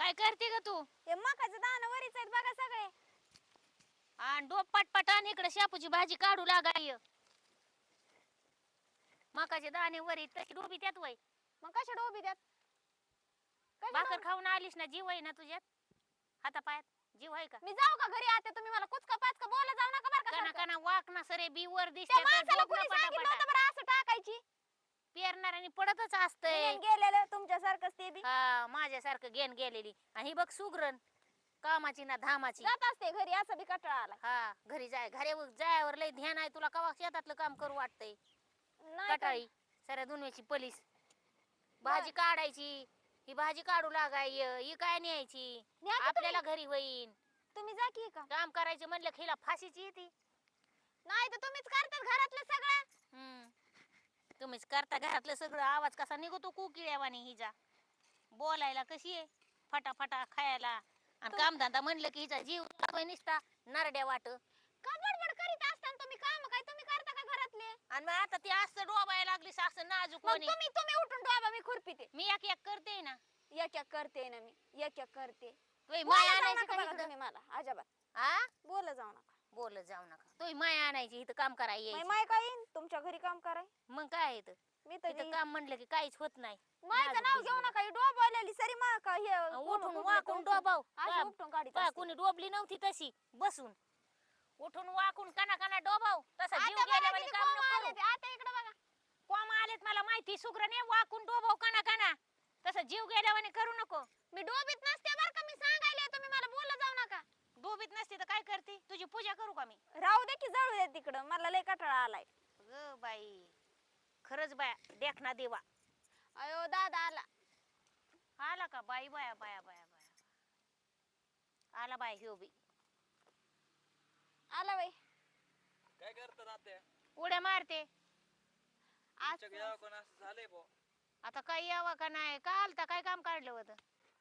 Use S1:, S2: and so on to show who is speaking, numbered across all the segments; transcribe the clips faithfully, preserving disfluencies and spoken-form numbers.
S1: काय करते ग तू?
S2: हे मकाचं दाणं वरीच आहेत बघा सगळे.
S1: आणि डोप पटपट आणि इकडे शेपूची भाजी काढू लागाय. मकाचे दाणे वरी तशी डोबी त्यात वय.
S2: मग कशा डोबी द्यात? कशा
S1: भाकर
S2: डोबी?
S1: खाऊन आलीस ना, जीव आहे ना तुझ्यात? हातापायात जीव आहे का?
S2: मी जाऊ का घरी? आता तुम्ही मला कुचका पाचका बोला जाऊ नका बरं का
S1: कना
S2: सारखं.
S1: कना वाक ना सरे बी वर
S2: त्या
S1: दिसते तर
S2: माणसाला
S1: डोब ना
S2: कुणी सांगितलं
S1: पटापटा.
S2: होतं बरं असं टाकायची?
S1: पेरणार आणि पडतच असतंय.
S2: मी गेलेलं तुमच्यासारखंच ते बी
S1: हा माझ्यासारखं गेन गेलेली आणि ही बघ सुगरण कामाची ना धामाची.
S2: जात असते घरी, असं बी कटाळा आला.
S1: हा घरी जाय, घरी जायवर लय ध्यान आहे तुला. कवा शेतातलं काम करू वाटतंय?
S2: नाही का?
S1: कटाळी साऱ्या दुनियाची पलीस. भाजी काढायची, ही भाजी काढू लागाय, ही काय न्यायची
S2: न्या की
S1: आपल्याला घरी होईन.
S2: तुम्ही जा की का?
S1: काम करायचं म्हणलं खिला फाशीची येते.
S2: नाही तर तुम्हीच करतात घरातलं सगळं.
S1: हम्म तुम्हीच करता घरातलं सगळं. आवाज कसा निघतो कुकिड्यावानी हिचा. बोलायला कशी आहे फटाफटा खायला आणि कामधंदा म्हणलं की हिचा जीव निसता नरड्या वाट.
S2: का बडबड करीत असताना तुम्ही काम काय तुम्ही करता का घरातले?
S1: आणि मग आता ती असं डोबायला लागली असं नाजूक
S2: मग
S1: कोणी.
S2: तुम्ही तुम्ही उठून डोबा, मी खुरपीते.
S1: मी एक एक करते ना.
S2: एक एक करते ना मी, एक एक करते.
S1: तुही
S2: बोला
S1: माया
S2: जाऊ
S1: आणायची
S2: नका
S1: का
S2: बघा
S1: इकडं?
S2: तुम्ही मला अजिबात
S1: आ
S2: बोला जाऊ नका.
S1: बोलत जाऊ नका. तुही माया आणायची इथं काम करायला
S2: माय
S1: यायची.
S2: माय काय येईन तुमच्या घरी काम कराय?
S1: मग काय येतं
S2: मी तर
S1: इथं काम म्हणलं की काहीच होत नाही.
S2: मायचं
S1: नाजूक
S2: नाव घेऊ
S1: बिजूक.
S2: नका. ही डोबावलेली सरी मा का हे
S1: उठून वाकून डोबाव.
S2: अशी उपटून काढीत
S1: पहा,
S2: असते.
S1: कुणी डोबली नव्हती तशी बसून. उठून वाकून कना कना डोबाव. तसा जीव
S2: आता बघा
S1: गेल्यावानी
S2: किती
S1: काम
S2: कोंब
S1: नको
S2: आले
S1: करू.
S2: ते. आता इकडे बघा.
S1: कोम आलेत मला माहिती. सुग्रने वाकून डोबाव कना कना. तसा जीव गेल्यावानी करू नको.
S2: मी डोबीत नसते बरं का, मी सांगायला तुम्ही मला बोला जाऊ नका.
S1: डोबीत नसते तर काय करते? तुझी पूजा करू का मी?
S2: राहू दे की जळू दे तिकडं, मला लय कटाळा आलाय.
S1: ग बाई खरंच बाया देखना देवा.
S2: अयो दादा आला.
S1: आला का? बाई बाया बाया बाया बाया आला बाय ह्यो बी.
S2: आला बाई.
S3: काय करतात आता?
S1: उड्या मारते.
S2: आज
S3: तुमच्या गावा कोण असं झालंय बो?
S1: आता काय यावा का नाही? का आलता? काय काम काढलं होतं?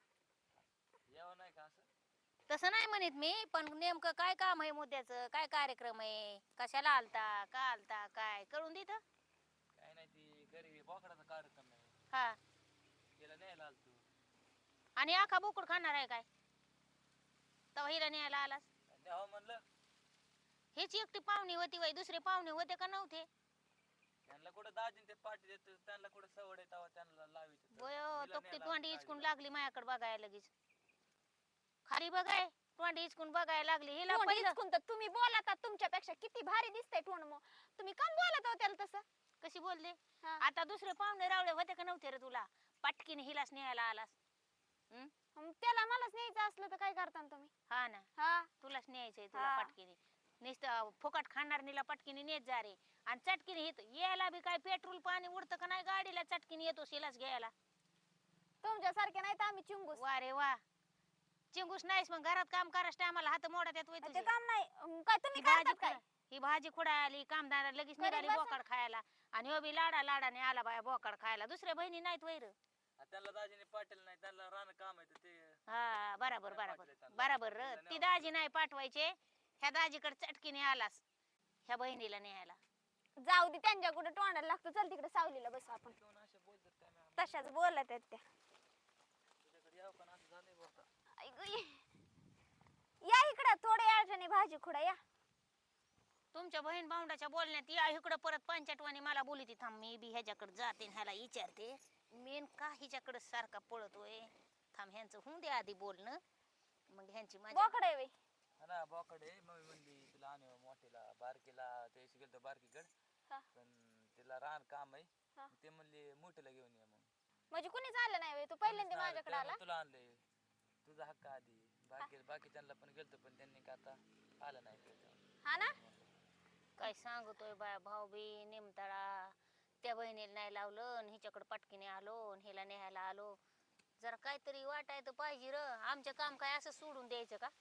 S3: यावं नाही का असं?
S1: तसं नाही म्हणत मी, पण नेमकं काय काम आहे मुद्द्याचं? काय कार्यक्रम आहे? कशाला आलता? का आलता? काय कळून देत?
S3: काय नाही, ती घरी बोकडाचा कार्यक्रम आहे,
S1: हा
S3: तिला न्यायला आलतो.
S1: आणि आखा बोकड खाणार आहे काय? तवा हिला न्यायला आलास?
S3: न्यावं म्हणलं,
S1: हेच एकटी पाहुणी होती वय? दुसरे पाहुणे होते का नव्हते?
S3: त्यांना कुठं दाजीन ते पाठी देत, त्यांना कुठं सवड आहे तेव्हा त्यांना लावित.
S1: बयो तो ती तोंडी इचकून लागली माझ्याकडे बघायला लगेच. खाली बघाय तोंडी इचकून बघायला लागली. हिला
S2: तोंड
S1: पहिलं
S2: इचकून तर तुम्ही बोलता, तुमच्यापेक्षा किती भारी दिसतंय तोंड. मग तुम्ही कम बोलत हो त्याला तसं?
S1: कशी बोलले?
S2: हा.
S1: आता दुसरे पाहुणे रावळे होते का नव्हते रे तुला? पटकीने हिलाच न्यायला आलास. हम्म
S2: मग त्याला मलाच न्यायचं असलं तर काय करता तुम्ही?
S1: हा ना,
S2: हा
S1: तुलाच न्यायचंय तुला
S2: हा.
S1: पटकीने. नुसतं फुकट खाणार नीला पटकीने नेत जा रे. आणि चटकीने येत यायला बी काय पेट्रोल पाणी उडतं का नाही गाडीला? चटकीने येतो शिलाच घ्यायला.
S2: तुमच्यासारखे नाही तर आम्ही चिंगूस.
S1: वा रे वा. चिंगूस नाहीस मग घरात काम करायचं टायमाला हात मोडा त्यात
S2: ते
S1: तुझे.
S2: काम नाही. अं, काय तुम्ही
S1: ही भाजी
S2: करतात काय?
S1: खुडा- ही भाजी खुडा आली कामदार लगेच
S2: करीत
S1: निघाली
S2: बसा.
S1: बोकाड खायला. आणि हो बी लाडा लाडाने आला बाया बोकाड खायला. दुसऱ्या बहिणी नाहीत वैर.
S3: त्यांना दाजीने पाटील नाही, त्यांना रान काम आहे तर ते
S1: हा बराबर
S3: नाही
S1: बराबर
S3: पाठवले त्यांना.
S1: बराबर
S3: हिला
S1: र.
S3: न्यावं
S1: ती दाजी नाही पाठवायचे. ह्या दाजीकडे चटकीने आलास ह्या बहिणीला न्यायला.
S2: जाऊ दे, त्यांच्या कुठे तोंडाला लागतो. चल तिकडे सावलीला बस आपण.
S3: कोण असे बोलतात काय नाही.
S2: तशाच बोलत आहेत त्या.
S3: तुझ्याकडे यावं पण असं झालंय बो आता.
S2: ऐक ये. या इकडं थोड्या अडचणी भाजी खुडा या.
S1: तुमच्या बहीण भाऊंडाच्या बोलण्यात या इकडं परत पंचाटवानी मला बोलती. थांब मी बी ह्याच्याकडे जाते आणि ह्याला विचारते. मेन का हिच्याकडे सारखा पळतोय? थांब ह्यांचं होऊन दे आधी बोलणं, मग ह्यांची मजा.
S2: बोकडे आहे बाई.
S3: हा ना, बोकडे मम्मी म्हणली तुला आणि मोठीला बारकीला ते गेलतो बारकीकडे,
S2: हा.
S3: पण तिला रान काम आहे.
S2: हा.
S3: ते म्हणले मोठीला घेऊन ये. मग
S2: म्हणजे कुणीच आलं नाही बाई. तू पहिल्यांदा माझ्याकडे आला.
S3: तुला आणलंय, तुझा हक्क आधी. बाकी बाकीच्यांना पण गेलतो पण त्यांनी का आता आलं नाही.
S2: हा ना.
S1: काय सांगतोय बाया भाऊ बी निमताळा. त्या बहिणीला नाही लावलं आणि हिच्याकडे पटकीने आलो आणि हिला न्यायला आलो. जरा काहीतरी वाटायचं पाहिजे र. आमचं काम काय असं सोडून द्यायचं का?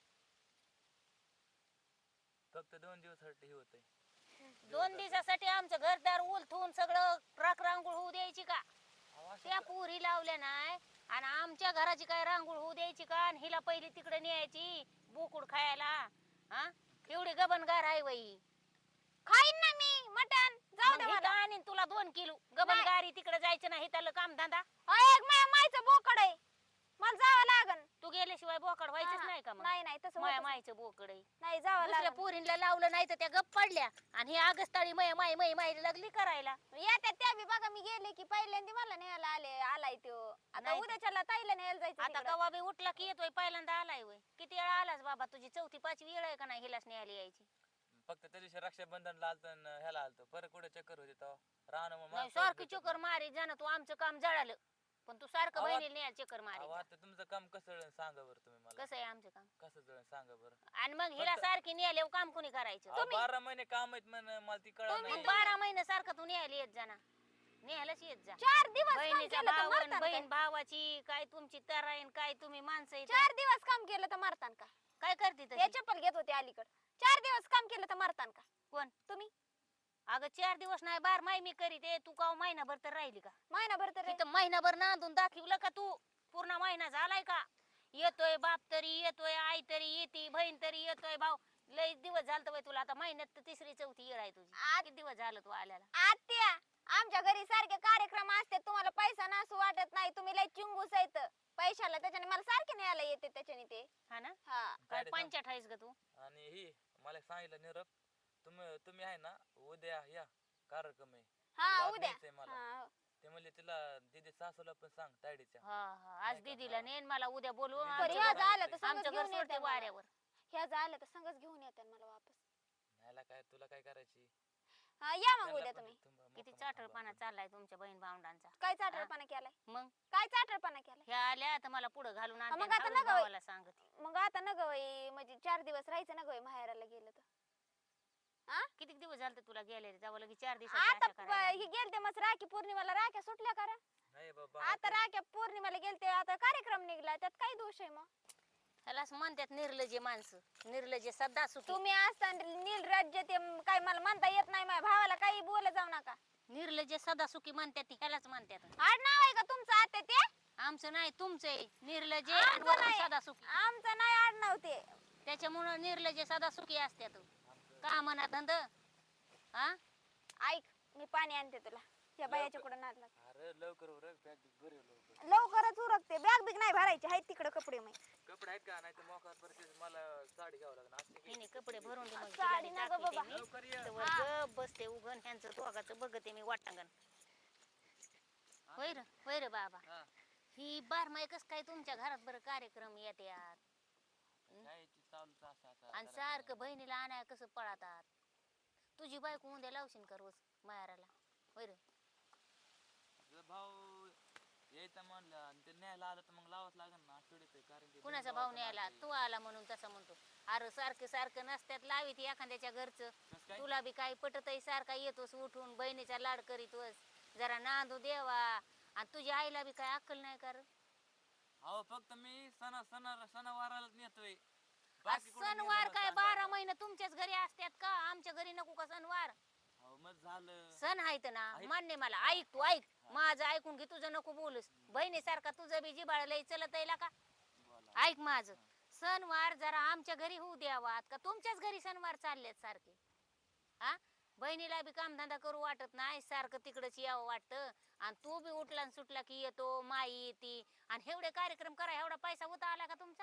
S3: फक्त दोन दिवस हट्ट हे होतंय.
S1: दोन दिवसासाठी आमचं घरदार उलथून सगळं राख रांगोळ होऊ द्यायची का? त्या पुरी लावल्या नाही आणि आमच्या घराची काय रांगोळ होऊ द्यायची का? आणि हिला पहिली तिकडे न्यायची बोकुड खायला. हा एवढी गबनगार आहे बाई.
S2: खाईन ना मी मटण. जाऊ दे मला.
S1: आणि तुला दोन किलो गबनगारी तिकडे जायचं नाही. त्याला काम धंदा
S2: अय, एक माया मायचं बोकड आहे, मला जावं लागन.
S1: तू बोकड व्हायचंच
S2: हा,
S1: नाही का मग
S2: नाही नाही तसं
S1: माया
S2: होतच नाही.
S1: मायचं बोकड आहे
S2: नाही जावं
S1: दुसऱ्या
S2: लागेल.
S1: पोरींला लावलं नाही तर त्या गप्प पडल्या आणि ही आगस्ताळी मय माय मय माय लागली करायला
S2: येतात त्या बी बघा मी गेले की पहिल्यांदा मला न्यायला आले आलाय तो आता
S1: नाही तर.
S2: उद्याच्याला ताईला न्यायला जायचं
S1: आता
S2: तिकडं.
S1: कवा बी उठला की येतोय पहिल्यांदा आलाय वय किती वेळा आलास बाबा तुझी चौथी पाचवी वेळ आहे का नाही हिलाच न्यायला यायची
S3: फक्त त्या दिवशी रक्षाबंधनला आलतो आणि ह्याला आलतो परत कुठे चक्कर होती तेव्हा राहणं मग
S1: नाही
S3: माणसाला
S1: सारखी
S3: भेटत
S1: चक्कर
S3: नाही.
S1: मारी जाणं तू आमचं काम जळालं पण तू सारखं
S3: आवाज-
S1: बहिणीला न्यायला चक्कर
S3: अहो,
S1: मारी
S3: आता तुमचं काम कसं जळण सांगा बरं तुम्ही मला
S1: कसं आहे आमचं काम
S3: कसं जळण सांगा बरं
S1: आणि मग हिला
S3: फक्त-
S1: सारखी न्यायला काम कोणी करायचं
S3: अहो, बारा महिने काम आहेत म्हण मला ती कळत
S1: मग
S3: नाही
S1: बारा महिने सारखं तू न्यायला येत जा ना न्यायलाच येत जा
S2: चार दिवस काम
S1: बहिणीचा
S2: केलं तर
S1: भाव
S2: मरतान
S1: बहीण
S2: काय?
S1: भावाची काय तुमची तराईन काय तुम्ही माणसं इथं.
S2: चार दिवस काम केलं तर मारतान का?
S1: काय करते
S2: ते
S1: तशी?
S2: चप्पल घेत होते अलीकड. चार दिवस काम केलं तर मारतान का
S1: कोण
S2: तुम्ही?
S1: अगं चार दिवस नाही बार माय मी करीत आहे, तू का महिनाभर तर राहिली का
S2: महिनाभर तर
S1: तिथं महिनाभर नांदून दाखवलं का तू पूर्ण महिना झालाय का येतोय बाप तरी येतोय आई तरी येते बहीण तरी येतोय भाऊ लय दिवस झालं बाई तुला आता महिन्यात तर तिसरी चौथी येळ आहे तुझी
S2: आ-
S1: किती दिवस झालं तू आल्याला
S2: आत्या आमच्या घरी सारखे कार्यक्रम असते तुम्हाला पैसा नसू वाटत नाही तुम्ही लय चिंगूस आहेत पैशाला त्याच्याने मला सारखे न्यायला येते त्याच्याने ते
S1: हा ना
S2: हा
S1: काय
S3: गाडी थांब.
S1: पंचायत आहेस ग तू
S3: आणि ही मला एक सांगितलं निरप तुम्ही तुम्ही आहे ना उद्या या कार्यक्रम आहे
S2: हा
S3: तिला
S2: उद्या
S3: द्यायचंय मला
S2: हा.
S3: ते म्हणले तिला दीदी सासूला पण सांग तायडीच्या
S1: हा हा आज
S3: नाही का?
S1: दीदीला
S3: हा.
S1: नेन मला उद्या बोलवून
S3: दीदी-
S2: बरं
S1: आमच्या
S2: ह्या
S3: घर-
S2: झालं तर संगच
S1: आमच्या घर
S2: घेऊन
S1: सोडते
S2: येते मला.
S1: वाऱ्यावर
S2: ह्या झालं तर संगच घेऊन येते मला वापस.
S3: न्यायला काय तुला काय करायची
S2: हा या मग
S3: त्यांना
S2: उद्या
S3: पण
S2: तुम्ही.
S3: थांबा,
S1: किती
S3: मोका- मोका
S1: चाटरपणा
S3: आपण.
S1: चाललाय तुमच्या बहीण भावंडांचा
S2: काय चाटरपणा केलाय?
S1: मग
S2: काय चाटरपणा केलाय?
S1: ह्या आल्या तर मला पुढे घालून आणते
S2: मग
S1: आणि
S2: आता
S1: हळूच
S2: नका बाई.
S1: भावाला सांगते
S2: मग आता न गवई म्हणजे चार दिवस राहायचं न गवई माहेराला गेलं तर. हा
S1: किती दिवस झाले तुला गेले जावं लगे चार
S2: आता
S1: दिवसाची
S2: प- हे गेलते मग राखी पौर्णिमेला राख्या सुटल्या करा.
S3: नाही बाबा
S2: आता राख्या पौर्णिमेला गेलते आता कार्यक्रम निघला त्यात काय दोष आहे मग?
S1: ह्यालाच म्हणतात निर्लजे माणसं निर्लजे सदा सुखी
S2: तुम्ही असताना नील राज्य ते म- काय मला म्हणता येत नाही माझ्या भावाला काही बोलत जाऊ नका.
S1: निर्लजे सदा सुखी म्हणतात ती ह्यालाच म्हणतात
S2: आडनाव आहे का तुमचं आता ते?
S1: आमचं नाही तुमचं आहे निर्लजे
S2: आमचं
S1: आणि वरून
S2: नाही.
S1: सदा सुखी
S2: आमचं नाही आडनाव ते.
S1: त्याच्यामुळं निर्लजे सदा सुखी असतात का म्हणा धंद हा
S2: ऐक मी पाणी आणते तुला या बायाच्या कुठं नाद लाग.
S3: अरे लवकर उरक बॅग भर लवकर
S2: लवकरच उरकते बॅग बिग नाही भरायची आहेत तिकडे कपडे मग.
S3: कपडे आहेत का नाही तर मोकार परिस्थिती मला साडी घ्यावं लागणार असते की.
S1: हिने कपडे भरून दे मग
S2: साडी
S1: तिला
S2: ना गं
S1: टाकते
S2: बाबा.
S1: मी.
S3: लवकर ये.
S1: तर वर गप बसते उगन ह्यांचं दोघाचं बघते मी वाटांगण होय र होय रे बाबा
S3: हा.
S1: ही बारमाही कस काय तुमच्या घरात बरं कार्यक्रम येत्यात
S3: काय ते चालूच असं असं
S1: आणि
S3: करायचं.
S1: सारखं बहिणीला आणाय कसं पळातात तुझी बायको उद्या लावशील का रोज मायाराला होय रे
S3: तुझा भाऊ यायचं म्हणलं आणि ते न्यायला आलं तर मग लावाच लागेल ना आठवड्यात आहे, कारण की
S1: कुणाचा
S3: बहीण
S1: भाऊ
S3: भावाचं
S1: न्यायला
S3: नातं आहे.
S1: तू आला म्हणून तसं म्हणतो अरे सारखं सारखं नसत्यात लावीत एखाद्याच्या घरचं
S3: कसं काय?
S1: तुला बी काही पटतही सारखा येतोस उठून बहिणीचा लाड करीतोस जरा नांदू देवा आणि तुझ्या आईला बी काय अक्कल नाही कर
S3: अहो फक्त मी सणा सणा सणावारालाच नेतोय बाकी कुठं
S1: सणवार
S3: नेलं
S1: काय
S3: नसतं
S1: बारा
S3: आता.
S1: महिने तुमच्याच घरी असतात का आमच्या घरी नको का सणवार
S3: अहो मग झालं
S1: सण आहेत ना
S3: आहेत.
S1: मान्य मला ऐक तू ऐक माझं ऐकून घे तुझं नको बोलूस बहिणीसारखा तुझं बी जिबाळ लय चलत येईल का
S3: बोला.
S1: ऐक माझं सणवार जरा आमच्या घरी होऊ द्यावात का तुमच्याच घरी सणवार चाललेत सारखे हा बहिणीला बी कामधंदा करू वाटत नाही सारखं तिकडच यावं वाटतं आणि तू बी उठला आणि सुटला की येतो माई येते आणि एवढे कार्यक्रम करा एवढा पैसा होता आला का तुमचा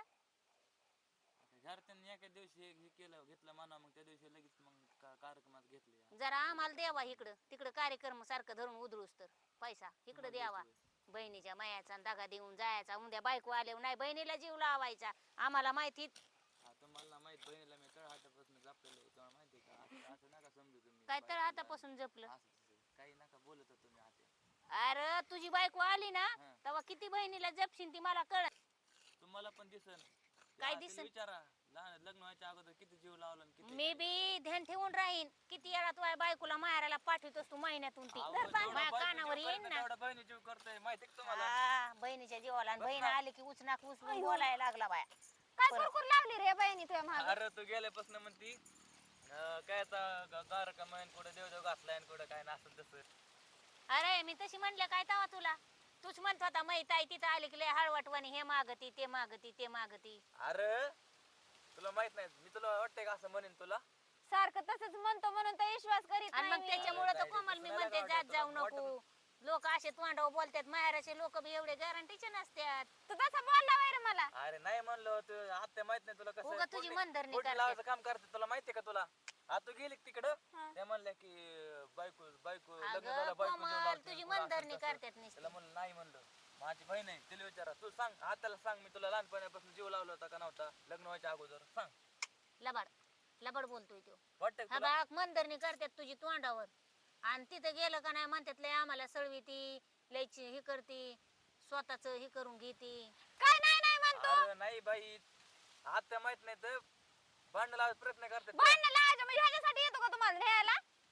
S3: घरच्यांनी एका दिवशी हे हे केलं घेतलं म्हणा मग त्या दिवशी लगेच मग का- कार्यक्रमात घेतले
S1: जरा आम्हाला द्यावा इकडं तिकडं कार्यक्रम सारखं धरून उधळूस तर पैसा इकडं द्यावा बहिणीच्या मायाचा आणि दगा देऊन जायचा उद्या बायको आल्यावर नाही बहिणीला जीव लावायचा आम्हाला माहिती
S3: तुम्हाला माहित बहिणीला मी तळ हातापासून जपलेलं आहे तुम्हाला माहिती आहे का असं असं नका समजू तुम्ही
S1: काय तर
S3: बायकोला.
S1: आतापासून जपलं
S3: असं तसं. काही नका बोलत होतो तुम्ही आता
S1: अरे तुझी बायको आली ना
S3: हा.
S1: तेव्हा किती बहिणीला जपशील ती मला कळ
S3: तुम्हाला पण दिसन
S1: काय
S3: या, तिला
S1: दिसन?
S3: विचारा लहान लग्न व्हायच्या अगोदर किती जीव लावला आणि किती
S1: मी बी ध्यान ठेवून राहीन किती वेळा तुझ्या बायकोला मारायला पाठवतोस तू महिन्यातून ती
S3: अहो,
S1: धर बाय-
S3: जेवढा
S1: माझ्या
S3: बायको
S1: कानावर
S3: जीव
S1: येईन
S3: करते,
S1: ना
S3: तेवढा बहिणी जीव करतोय माहिती का तुम्हाला
S1: हा, बहिणीच्या जीवाला आणि
S3: बस
S1: बहीण
S3: ना.
S1: आली की उचनाक उचलून बोलायला लागला बाया
S2: काय
S1: परत.
S2: कुरकुर लावली रे बहिणी तुझ्या मागं?
S3: अरे तू गेल्यापासून म्हणती अं, काय आता ग- कार्यक्रम आहे कुठं देवदेव घातलाय आणि कुठं काय नसत तसं
S1: अरे मी तशी म्हणलं काय तवा तुला तूच म्हणत होता माहित आहे तिथं आली की लय हळवटवाणी हे मागती ते मागती ते मागती
S3: अरे तुला माहित नाही मी तुला वाटतंय का असं म्हणेन तुला
S2: सारखं तसंच म्हणतो म्हणून तर विश्वास करीत
S1: आणि
S2: नाही
S1: मग
S2: मी.
S1: त्याच्यामुळे तर
S3: काय
S1: कोमल मी
S3: तुला
S1: म्हणते
S3: काय
S1: जात
S3: वाटतं?
S1: जाऊ
S3: तुला
S1: नको
S3: वाटतं
S1: लोक असे तोंडावर बोलतात, माहेराचे लोक बी एवढे गॅरंटीचे नसतात.
S2: तू तसा बोलला वैर मला.
S3: अरे नाही म्हणलो तू आत्या माहित नाही तुला कसं
S1: उगा तुझी
S3: फोडणी-
S1: मनधरणी
S3: फोडणी
S1: करते.
S3: लावायचं काम करते तुला माहितीये का तुला आता तू गेली तिकडं
S2: हा.
S3: त्या म्हणल्या की बायको बायको लग्न
S1: अगं
S3: झालं बायको जीव
S1: कोमल,
S3: लावते,
S1: तुझी
S3: तुला असं
S1: मनधरणी
S3: तसं.
S1: करतात नुसती.
S3: त्याला म्हणलं नाही म्हणलं माझी बहीण आहे तिला विचारा तू सांग आत्याला सांग मी तुला लहानपणापासून जीव लावला होता का नव्हता लग्न व्हायच्या अगोदर सांग
S1: लबाड लबाड बोलतोय तो.
S3: वाटतंय का
S1: हा
S3: तुला
S1: बाग मनधरणी करतात तुझी तोंडावर, आणि तिथं गेलं का नाही म्हणतात लय आम्हाला सळवी ती लयची ही करती, स्वतःच हे करून घेती.
S2: काय नाही नाही म्हणतो.
S3: अरे नाही बाई आत्या माहित नाही तर भांडण लावायचा प्रयत्न करतात ते.
S2: भांडण लावायचं म्हणजे ह्याच्यासाठी येतो का तुम्हाला न्यायला?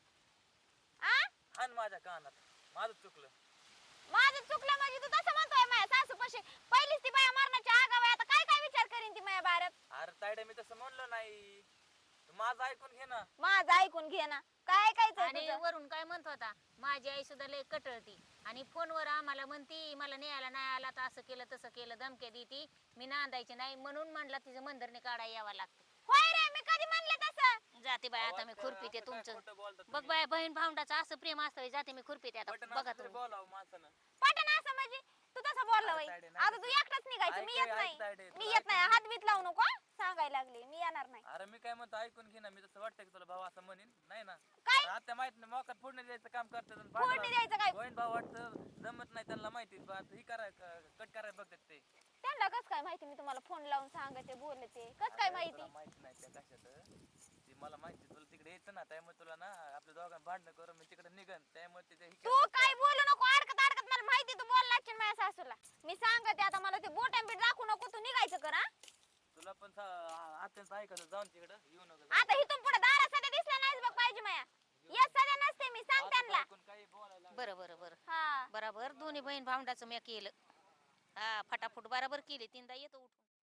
S2: आ
S3: हाण माझ्या कानात माझं चुकलं
S2: माझं चुकलं म्हणजे तू तसं म्हणतोय माझ्या सासूपाशी. पहिलीच ती बाया मरणाची आगाव आहे, आता काय काय विचार करीन ती माझ्या भारत.
S3: अरे तायडे मी तसं म्हणलं नाही तू माझं ऐकून घे ना
S2: माझं ऐकून घे ना, काय ऐकायचं
S1: आणि
S2: तुझं?
S1: वरून काय म्हणत होता, माझी आई सुद्धा लय कटळती आणि फोनवर आम्हाला म्हणती मला न्यायला नाही आला तर असं केलं तसं केलं, धमक्या देती, मी नांदायची नाही म्हणून म्हणला तिचं मंदरने काढा यावं लागतं.
S2: होय रे, मी कधी म्हणलं तसं?
S1: जाते बाय आता मी खुरपीते तुमचं. बघ बाय बहीण भावंडाचं असं प्रेम असतं, जाते मी खुरपीते आता. बघा तुम्ही.
S3: बोलावं माणसानं
S2: पटन असं म्हणजे तू तसं बोलला
S3: अरे
S2: बाई.
S3: तायडे, नाही
S2: आता तू
S3: तसं.
S2: एकटाच निघायचं, मी
S3: ऐक
S2: येत
S3: ऐक
S2: नाही.
S3: तायडे,
S2: मी
S3: तुला
S2: येत नाही,
S3: ऐकून
S2: हात बीत लावू नको हं? सांगायला लागली मी येणार नाही.
S3: अरे मी काय म्हणतो ऐकून घे ना मी तसं वाटतं की तुला भाऊ असं म्हणेन नाही ना
S2: काय?
S3: अरे आत्या माहित नाही मोकात फोडणी द्यायचं काम करतात आणि
S2: फोडणी
S3: भांडणाला-
S2: द्यायचं काय?
S3: बहीण भाऊ वाटतं जमत नाही त्यांना माहिती बा, ही कराय कट करायला बघतात ते
S2: त्यांना कस काय माहिती मी तुम्हाला फोन लावून सांगते बोलते कस काय
S3: अरे
S2: माहिती?
S3: तुला माहित नाही त्या कशात ती मला माहिती तुला तिकडे यायचं ना त्यामुळे तुला ना आपल्या दोघांना भांडणं करून मी तिकडे निघन त्यामुळे तिथे ही
S2: तू काय बोलू नको, अडकत अडकत मला माहिती तू बोलला की माझ्या सासूला. मी सांगते आता, मला ते बोटं बीट दाखवू नको, तू निघायचं कर हं?
S3: तुला पण आत्यांचं ऐकायचं जाऊन तिकडं येऊ नका
S2: आता इथून पुढे दारा सध्या दिसला नाहीच बघ पाहिजे माया. येस सध्या नसते मी, सांग त्यांना.
S3: ऐकून काही बोलायला लागलं.
S1: बरं बरं बरं
S2: हा
S1: बराबर दोन्ही बहीण भावंडाचं मी केलं. हा फटाफट बराबर केली, तीनदा येतो उठून.